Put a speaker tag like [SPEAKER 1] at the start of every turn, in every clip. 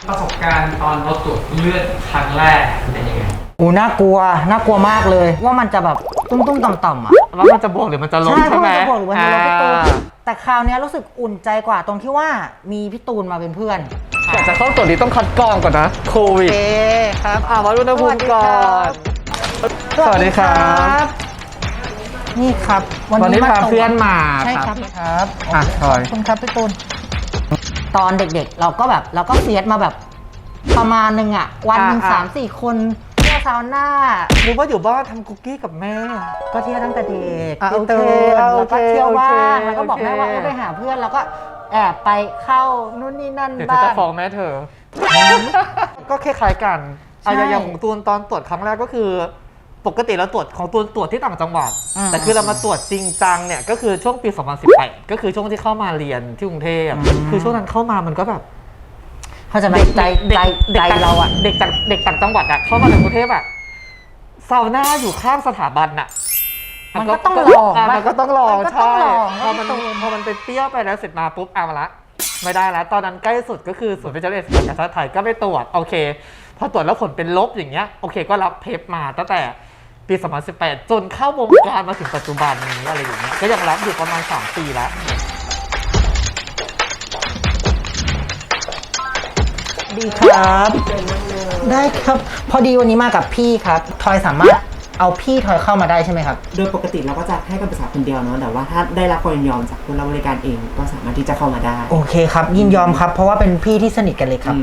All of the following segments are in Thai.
[SPEAKER 1] ประสบการณ์ตอนเราตรวจเลือดครั้งแรกเป็นยังไง
[SPEAKER 2] น่ากลัวมากเลยว่ามันจะแบบตุ้มต่ำๆอ่ะ
[SPEAKER 3] ว่ามันจะบวกหรือมันจะลบใช่ไหม
[SPEAKER 2] มันจะบวกหรือมันจะลบพี่ตูนแต่คราวนี้รู้สึกอุ่นใจกว่าตรงที่ว่ามีพี่ตูนมาเป็นเพื่อน
[SPEAKER 3] แต่จะเข้าตรวจนี้ต้องคัดกรองก่อนนะโควิด
[SPEAKER 2] ครับ
[SPEAKER 3] วัดอุณหภูมิก่อนสวัสดีครับ
[SPEAKER 2] นี่ครับ
[SPEAKER 3] วันนี้พาเพื่อนมา
[SPEAKER 2] ใช่ครับ
[SPEAKER 3] ทอย
[SPEAKER 2] คุณครับพี่ตูนตอนเด็กๆเราก็เฟียสมาแบบประมาณนึงอ่ะวันหนึ่ง3-4 คนเที่ยวซาวน่า
[SPEAKER 3] หรือว่าอยู่บ้านทำคุกกี้กับแม่
[SPEAKER 2] ก็เที่ยวตั้งแต่เด็ก
[SPEAKER 3] โอเค
[SPEAKER 2] แล้วก็เที่ยวบ้างแล้วก็บอกแม่ว่าไปหาเพื่อนแล้วก็แอบไปเข้านู่นนี่นั่นบ้าง
[SPEAKER 3] เดี๋ยวจะฟ้องแม่เธอก็คล้ายๆกันอย่างของตูนตอนตรวจครั้งแรกก็คือปกติเราตรวจของตูนตรวจที่ต่างจังหวัดแต่คือเรามาตรวจจริงจังเนี่ยก็คือช่วงปี2018ก็คือช่วงที่เข้ามาเรียนที่กรุงเทพคือช่วงนั้นเข้ามามันก็แบบ
[SPEAKER 2] เขาจะใจเราอะ
[SPEAKER 3] เด็กต่างจังหวัดอะเข้ามาในกรุงเทพอะซาวน่าอยู่ข้างสถาบันอะ
[SPEAKER 2] มันก็ต้องลอง
[SPEAKER 3] มันก็ต้องลองใช่พอมันไปเปรี้ยวไปแล้วเสร็จมาปุ๊บมาละไม่ได้แล้วตอนนั้นใกล้สุดก็คือศูนย์วิจัยและศึกษาการแพทย์ไทยก็ไปตรวจโอเคพอตรวจแล้วผลเป็นลบอย่างเงี้ยโอเคก็รับเพปมาตั้งแต่ปี2018จนเข้าวงการมาถึงปัจจุบันนี้อะไรอย่างเงี้ยก็ยังรับอยู่ประมาณ3 ปีแล้ว
[SPEAKER 2] ดีครับได้ครับพอดีวันนี้มากับพี่ครับทอยสามารถเอาพี่ทอยเข้ามาได้ใช่ไหมครับ
[SPEAKER 4] โดยปกติเราก็จะให้คำปรึกษาคนเดียวเนาะแต่ว่าถ้าได้รับความยินยอมจากผู้รับบริการเองก็สามารถที่จะเข้ามาได้
[SPEAKER 2] โอเคครับยินยอมครับเพราะว่าเป็นพี่ที่สนิทกันเลยครับ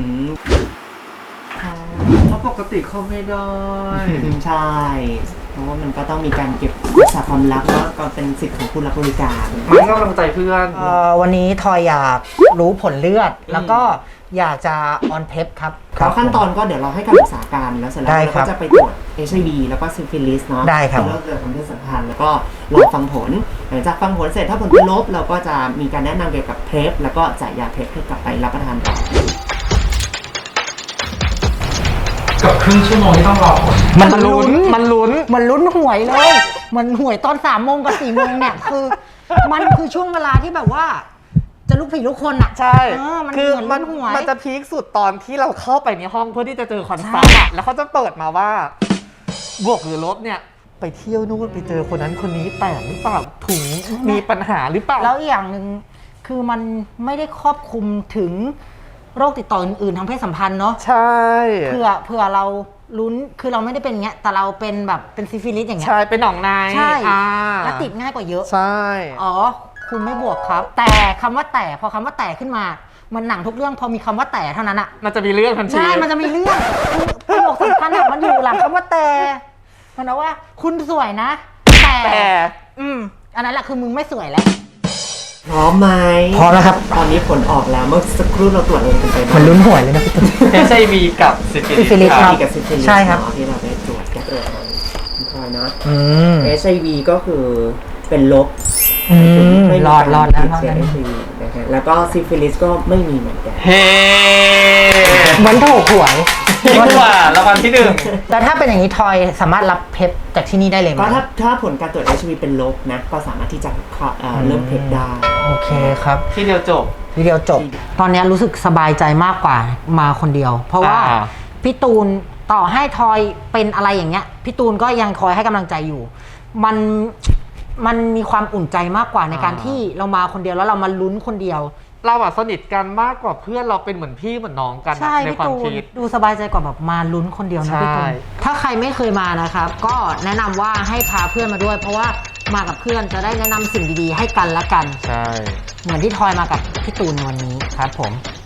[SPEAKER 3] เพราะปกติเขาไม่ได้
[SPEAKER 4] ใช่เพราะว่ามันก็ต้องมีการเก็บรักษาความลับแล้วก็เป็นสิทธิ์ของผู้รับบริการ
[SPEAKER 3] มันก็กำลังใจเพื่อน
[SPEAKER 2] วันนี้ทอยอยากรู้ผลเลือดแล้วก็อยากจะออนเพปครับ
[SPEAKER 4] ขั้นตอนก็เดี๋ยวเราให้คำปรึกษาการแล้วเสร็จแล้วเราก็จะไปตรวจ HIV แล้วก็ซิฟิลิสเนาะ
[SPEAKER 2] ได้ครับ
[SPEAKER 4] แล้วเกิดความเพศสัมพันธ์แล้วก็รอฟังผลหลังจากฟังผลเสร็จถ้าผลเป็นลบเราก็จะมีการแนะนำเกี่ยวกับเพปแล้วก็จ่ายยาเพปให้กลับไปรับประทานต่อ
[SPEAKER 1] กับครึ่งชั่วโมงที่ต้องรอผล
[SPEAKER 2] มันลุ้นหวยเลยมันหวยตอน3 โมงกับ4 โมงเนี่ยคือมันคือช่วงเวลาที่แบบว่าจะลุกผีลุกคนอ่ะ
[SPEAKER 3] ใช่คือมันจะพีคสุดตอนที่เราเข้าไปในห้องเพื่อที่จะเจอคอนซัลท์อ่ะแล้วเขาจะเปิดมาว่าบวกหรือลบเนี่ยไปเที่ยวนู่นไปเจอคนนั้นคนนี้แต่หรือเปล่าถุงมีปัญหาหรือเปล่า
[SPEAKER 2] แล้วอีกอย่างหนึ่งคือมันไม่ได้ครอบคลุมถึงโรคติดต่ออื่นๆทางเพศสัมพันธ์เนาะ
[SPEAKER 3] ใช่
[SPEAKER 2] เผื่อเราลุ้นคือเราไม่ได้เป็นเงี้ยแต่เราเป็นแบบเป็นซิฟิลิสอย่างเงี้ย
[SPEAKER 3] ใช่เป็นหนองใน
[SPEAKER 2] ใช่และติดง่ายกว่าเยอะ
[SPEAKER 3] ใช่
[SPEAKER 2] คุณไม่บวกครับแต่คำว่าแต่พอคำว่าแต่ขึ้นมามันหนังทุกเรื่องพอมีคำว่าแต่เท่านั้นอะ
[SPEAKER 3] มันจะมีเรื่องทันที
[SPEAKER 2] ใช่มันจะมีเรื่องประโยคสำคัญอะมันอยู่หลังคำว่าแต่มันเอาว่าคุณสวยนะแต่อันนั้นแหละคือมึงไม่สวยแล้ว
[SPEAKER 4] พร้อมไหม
[SPEAKER 2] พร้อมแล้วครับ
[SPEAKER 4] ตอนนี้ผลออกแล้วเมื่อสักครู่เราตรวจเองกันไป
[SPEAKER 2] มันลุ้นหวยเลยนะพี่ตุ้
[SPEAKER 3] มHIV กับซิฟิลิส
[SPEAKER 2] ครับ
[SPEAKER 4] ใช่ครับที่เราได้ตรวจแก้ตัวพอนะHIV ก็คือเป็นลบ
[SPEAKER 2] ไม่รอดแล้ว
[SPEAKER 4] แล้วก็ซิฟิลิสก็ไม่มีเหมือนกัน
[SPEAKER 3] เฮ้
[SPEAKER 2] เหมือนถูกหวย
[SPEAKER 3] ดีกว่ารางวัลที่1
[SPEAKER 2] แต่ถ้าเป็นอย่างนี้ทอยสามารถรับเพปจากที่นี่ได้เลยไหม
[SPEAKER 4] ก็ถ้าผลการตรวจ HIV เป็นลบนะก็สามารถที่จะเริ่มเพปได้
[SPEAKER 2] โอเคครับ
[SPEAKER 3] ทีเดียวจบ
[SPEAKER 2] ตอนนี้รู้สึกสบายใจมากกว่ามาคนเดียวเพราะว่าพี่ตูนต่อให้ทอยเป็นอะไรอย่างเงี้ยพี่ตูนก็ยังคอยให้กำลังใจอยู่มันมีความอุ่นใจมากกว่าในการที่เรามาคนเดียวแล้วเรามาลุ้นคนเดียว
[SPEAKER 3] เราสนิทกันมากกว่าเพื่อนเราเป็นเหมือนพี่เหมือนน้องกันในความคิด
[SPEAKER 2] ดูสบายใจกว่าแบบมาลุ้นคนเดียวนะพี่ตูนถ้าใครไม่เคยมานะครับก็แนะนำว่าให้พาเพื่อนมาด้วยเพราะว่ามากับเพื่อนจะได้แนะนำสิ่งดีๆให้กันและกัน
[SPEAKER 3] ใช่
[SPEAKER 2] เหมือนที่ทอยมากับพี่ตูนในวันนี้ครับผม